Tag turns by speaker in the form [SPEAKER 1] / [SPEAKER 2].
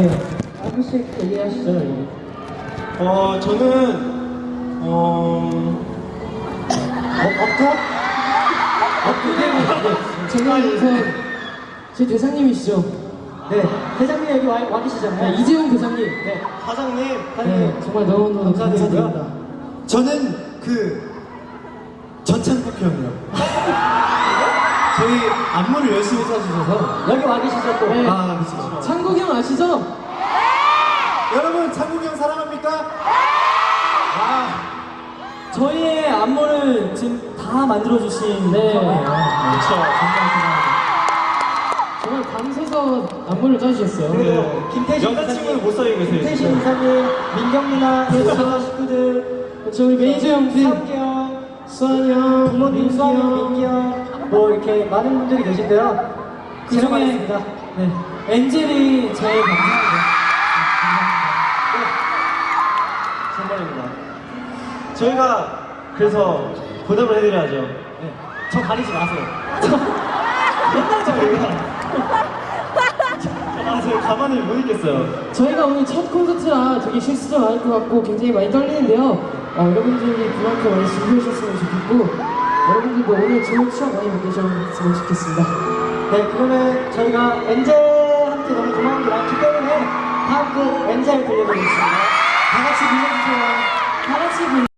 [SPEAKER 1] 네, 한 분씩 얘기하시죠.
[SPEAKER 2] 저는
[SPEAKER 1] 제가 우선 제 대장님이시죠?
[SPEAKER 3] 네, 대장님 여기 와 계시잖아요.
[SPEAKER 1] 네, 이재용 대장님.
[SPEAKER 3] 네,
[SPEAKER 2] 사장님.
[SPEAKER 1] 네, 정말 너무너무
[SPEAKER 3] 감사드리고요.
[SPEAKER 1] 감사드립니다.
[SPEAKER 2] 저는 전창국 형이요. 저희 안무를 열심히 써주셔서.
[SPEAKER 3] 여기 와 계시죠 또.
[SPEAKER 1] 네.
[SPEAKER 2] 그렇죠.
[SPEAKER 1] 창국이 형 아시죠?
[SPEAKER 2] 여러분 창국 형 사랑합니까?
[SPEAKER 3] 저희의 안무를 지금 다 만들어주신
[SPEAKER 1] 네.
[SPEAKER 3] 거예요.
[SPEAKER 2] 그렇죠.
[SPEAKER 1] 정말 밤새서 안무를 짜주셨어요.
[SPEAKER 3] 그리고 김태신
[SPEAKER 2] 여자친구는 못 써요, 그래서.
[SPEAKER 3] 김태신 이사님, 민경 누나, 여자 식구들,
[SPEAKER 1] 그렇죠, 우리 매니저 형들,
[SPEAKER 3] 상기 형,
[SPEAKER 1] 수환이 형,
[SPEAKER 3] 부모님
[SPEAKER 1] 민기
[SPEAKER 3] 수환이 형,
[SPEAKER 1] 형.
[SPEAKER 3] 민기 형, 뭐 이렇게 많은 분들이 계신데요.
[SPEAKER 1] 그 중에 네, 엔젤이 제일 감사합니다.
[SPEAKER 2] 선물입니다. 저희가 그래서 보답을 해드려야죠.
[SPEAKER 3] 네. 저 가리지 마세요.
[SPEAKER 2] 맨날 저희가. 저희 가만을 못 있겠어요.
[SPEAKER 1] 저희가 오늘 첫 콘서트라 되게 실수도 많을 것 같고 굉장히 많이 떨리는데요. 여러분들이 그만큼 많이 준비해주셨으면 좋겠고 여러분들도 오늘 좋은 추억 많이 만드셨으면 좋겠습니다.
[SPEAKER 3] 네, 그러면 저희가 엔젤한테 너무 고마운 게 많기 때문에 다음 곡 엔젤 들려드리겠습니다. 다 같이 불러주세요.
[SPEAKER 1] 다 같이